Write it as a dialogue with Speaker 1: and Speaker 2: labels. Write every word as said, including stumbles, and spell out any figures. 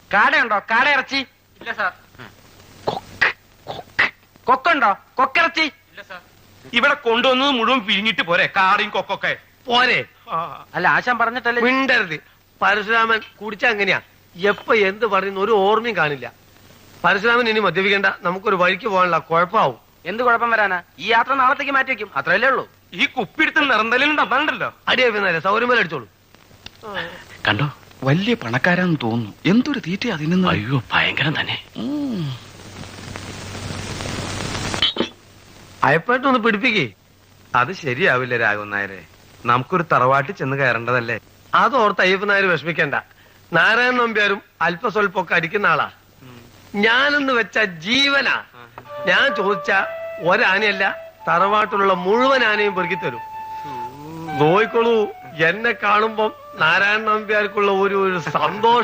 Speaker 1: കാടയുണ്ടോ? കാട ഇറച്ചി
Speaker 2: ഇല്ല സാർ.
Speaker 1: കൊക്കുണ്ടോ? കൊക്കിറച്ചി
Speaker 2: ഇല്ല സാർ.
Speaker 3: ഇവിടെ കൊണ്ടുവന്നത് മുഴുവൻ പിരിഞ്ഞിട്ട് പോരെ കാറിയും കൊക്കൊക്കെ
Speaker 4: പോരെ?
Speaker 1: അല്ല ആശാൻ പറഞ്ഞിട്ടല്ലേ.
Speaker 4: മിണ്ടരുത്. പരശുരാമൻ കുടിച്ച അങ്ങനെയാ, എപ്പ എന്ത് പറയുന്ന ഒരു ഓർമ്മയും കാണില്ല. പരശുരാമൻ ഇനി മദ്യപിക്കേണ്ട, നമുക്കൊരു വഴിക്ക് പോകാനുള്ള കുഴപ്പമാവും.
Speaker 1: എന്ത് കുഴപ്പം വരാനാ? ഈ യാത്ര നാളത്തേക്ക് മാറ്റി വെക്കും, അത്രയല്ലേ ഉള്ളൂ.
Speaker 3: ഈ കുപ്പിടുത്ത് നിറന്തലുണ്ടോ? അതാണ്ടല്ലോ
Speaker 4: അടിയാ സൗകര്യം അടിച്ചോളൂ.
Speaker 5: കണ്ടോ, വലിയ പണക്കാരാന്ന് തോന്നുന്നു. എന്തൊരു തീറ്റ അതിന്.
Speaker 2: അയ്യോ ഭയങ്കരം തന്നെ.
Speaker 4: അയപ്പായിട്ടൊന്ന് പിടിപ്പിക്കേ.
Speaker 3: അത് ശരിയാവില്ല രാഘവൻ നായരെ. നമുക്കൊരു തറവാട്ടിൽ ചെന്ന് കയറേണ്ടതല്ലേ?
Speaker 4: അതോർത്ത് അയ്യപ്പൻ നായർ വിഷമിക്കണ്ട. നാരായണൻ നമ്പ്യാരും അല്പസ്വല്പൊക്കെ അടിക്കുന്ന ആളാ. ഞാനെന്ന് വെച്ച ജീവനാ. ഞാൻ ചോദിച്ച ഒരാനയല്ല, തറവാട്ടിലുള്ള മുഴുവൻ ആനയും പെറുക്കി തരും. നോയിക്കോളൂ, എന്നെ കാണുമ്പം നാരായണൻ നമ്പ്യാർക്കുള്ള ഒരു ഒരു സന്തോഷം.